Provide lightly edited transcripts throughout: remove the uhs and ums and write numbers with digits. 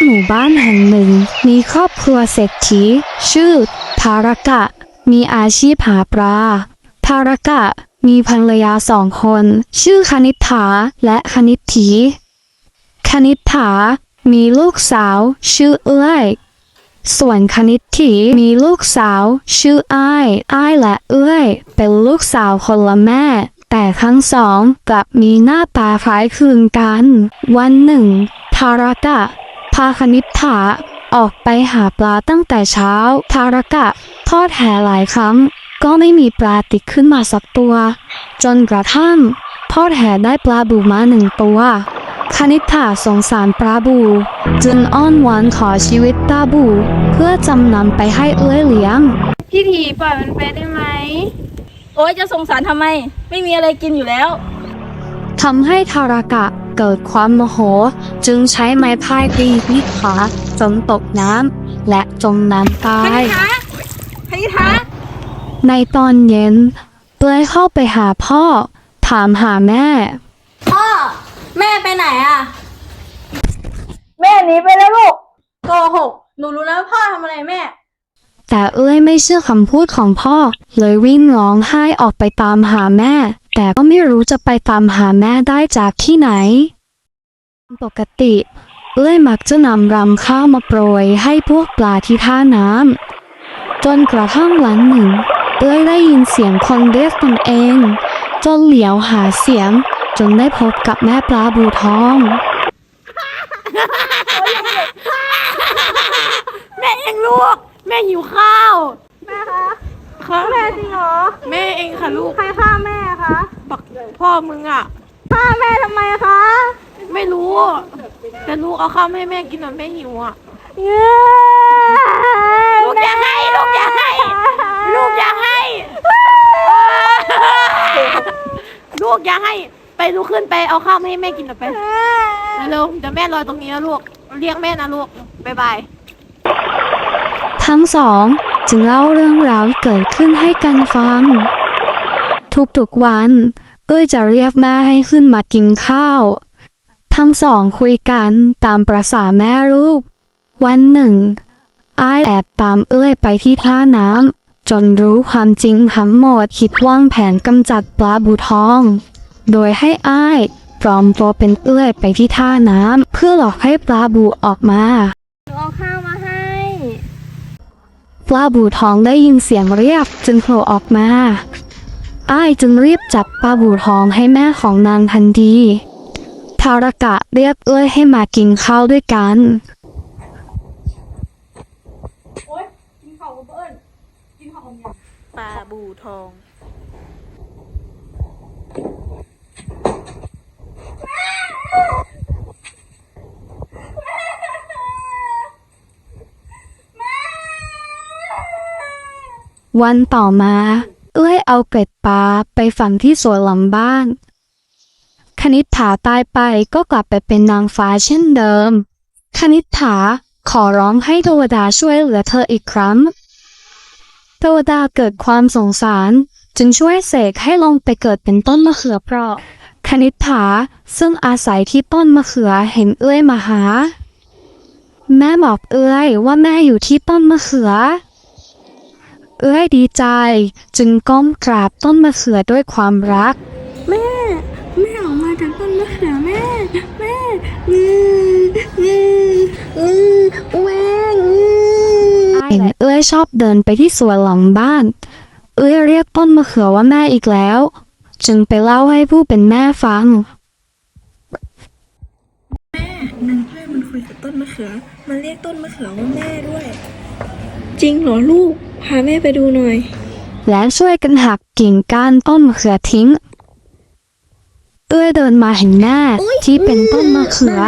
หมู่บ้านแห่งหนึ่งมีครอบครัวเศรษฐีชื่อทารกะมีอาชีพหาปลาทารกะมีภรรยา2 คนชื่อคณิษฐาและคณิษฐีคณิษฐามีลูกสาวชื่อเอื้อยส่วนคณิษฐีมีลูกสาวชื่ออ้ายและเอื้อยเป็นลูกสาวคนละแม่แต่ทั้งสองกลับมีหน้าตาคล้ายคลึงกันวันหนึ่งทารกะพาคณิษฐาออกไปหาปลาตั้งแต่เช้าทารกะทอดแหหลายครั้งก็ไม่มีปลาติดขึ้นมาสักตัวจนกระทั่งทอดแหได้ปลาบูมา1 ตัวคณิษฐาสงสารปลาบูจึงอ้อนวอนขอชีวิตปลาบูเพื่อจำนำไปให้เอื้อยเลี้ยงพี่ทีปล่อยมันไปได้ไหมโอ๊ยจะสงสารทำไมไม่มีอะไรกินอยู่แล้วทำให้ทารกะเกิดความโมโหจึงใช้ไม้พายตีที่ขาจนตกน้ำและจมน้ำตายคณิษฐาในตอนเย็นเปลยเข้าไปหาพ่อถามหาแม่พ่อแม่ไปไหนอะแม่หนีไปแล้วลูกโกหกหนูรู้แล้วพ่อทำอะไรแม่แต่เอ้ยไม่เชื่อคำพูดของพ่อเลยวิ่งร้องไห้ออกไปตามหาแม่แต่ก็ไม่รู้จะไปตามหาแม่ได้จากที่ไหนปกติเอ้ยมักจะนำรำข้าวมาโปรยให้พวกปลาที่ท่าน้ำจนกระทั่งวันหนึ่งเอ้ยได้ยินเสียงคนเรียกตนเองจนเหลียวหาเสียงจนได้พบกับแม่ปลาบูทองแม่เองลูกแม่หิวข้าวแม่คะแม่จริงเหรอแม่เองค่ะลูกใครฆ่าแม่คะบักพ่อมึงอ่ะฆ่าแม่ทำไมคะไม่รู้แต่ลูกเอาข้าวให้แม่กินหน่อยแม่หิวอ่ะลูกอย่าให้ลูกอย่าให้ลูกอย่าให้ลูกอย่าให้ไปลุกขึ้นไปเอาข้าวให้แม่กินหน่อยไปเร็วเดี๋ยวแม่รอตรงนี้นะลูกเรียกแม่นะลูกบ๊ายบายทั้งสองจึงเล่าเรื่องราวที่เกิดขึ้นให้กันฟังทุกวันเอ้ยจะเรียกแม่ให้ขึ้นมากินข้าวทั้งสองคุยกันตามประสาแม่ลูกวันหนึ่งอ้ายแอบตามเอ้ยไปที่ท่าน้ำจนรู้ความจริงทั้งหมดคิดวางแผนกำจัดปลาบูทองโดยให้อ้ายปลอมตัวเป็นเอ้ยไปที่ท่าน้ำเพื่อหลอกให้ปลาบูออกมาเอาข้าวมาให้ปลาบูทองได้ยินเสียงเรียกจึงโผล่ออกมาอ้ายจึงรีบจับปลาบูทองให้แม่ของนางทันทีทารกะเรียกเอ้ยให้มากินข้าวด้วยกันโอ๊ยกินข้าวกับเบิ้ลกินข้าวกับยังปลาบูทองวันต่อมาเอ้ยเอาเกล็ดปลาไปฝังที่สวนหลังบ้านคณิษฐาตายไปก็กลับไปเป็นนางฟ้าเช่นเดิมคณิษฐาขอร้องให้เทวดาช่วยเหลือเธออีกครั้งเทวดาเกิดความสงสารจึงช่วยเสกให้ลงไปเกิดเป็นต้นมะเขือเปราะคณิษฐาซึ่งอาศัยที่ต้นมะเขือเห็นเอ้ยมาหาแม่บอกเอ้ยว่าแม่อยู่ที่ต้นมะเขือเอ้ยดีใจจึงก้มกราบต้นมะเขือด้วยความรักแม่ออกมาจากต้นมะเขือแม่แม่เห็นเอ้ยชอบเดินไปที่สวนหลังบ้านเอ้ยเรียกต้นมะเขือว่าแม่อีกแล้วจึงไปเล่าให้ผู้เป็นแม่ฟังแม่นางเอ้ยมันคุยกับต้นมะเขือมันเรียกต้นมะเขือว่าแม่ด้วยจริงเหรอลูกพาแม่ไปดูหน่อยและช่วยกันหักกิ่งก้านต้นมะเขือทิ้งเอ้ยเดินมาเห็นแม่ที่เป็นต้นมะเขือ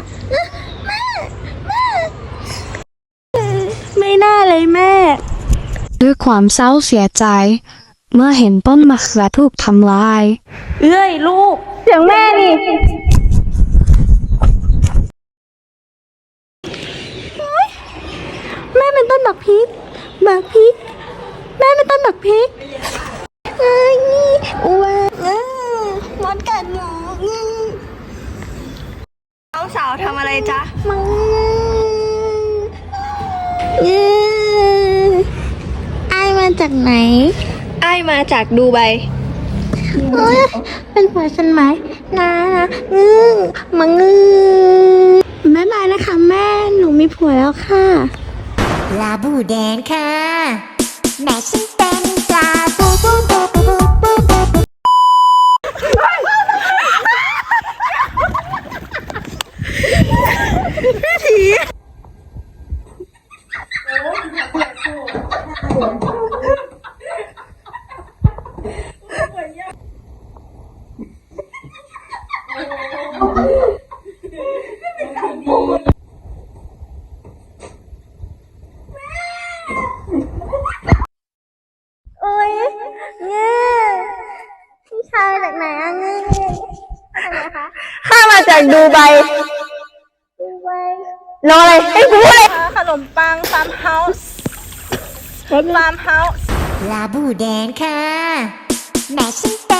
ไม่น่าเลยแม่ด้วยความเศร้าเสียใจเมื่อเห็นต้นมะเขือถูกทำลายเอ้ยลูกเสียงแม่นี่แม่เป็นต้นบักพริกแม่เป็นต้นบักพริกนี่ว้ามดกัดหนูน้องสาวทำอะไรจ๊ะจากไหนอ้ายมาจากดูไบเอ้ยเป็นผัวฉันไหมนะมางือบ๊ายบายนะคะแม่หนูมีผัวแล้วค่ะปลาบูแดงค่ะ แม่ฉันเป็นปลาบูบูบูบูบูบูบูโอ้ยเงือพี่ชายจากไหนอะเงือจากไหนคะข้ามาจากดูไบดูไว้รออะไรให้กูพูดเลยขนมปังฟาร์มเฮาส์ฟาร์มเฮาส์ปลาบูแดงค่ะ แม่ฉันเป็น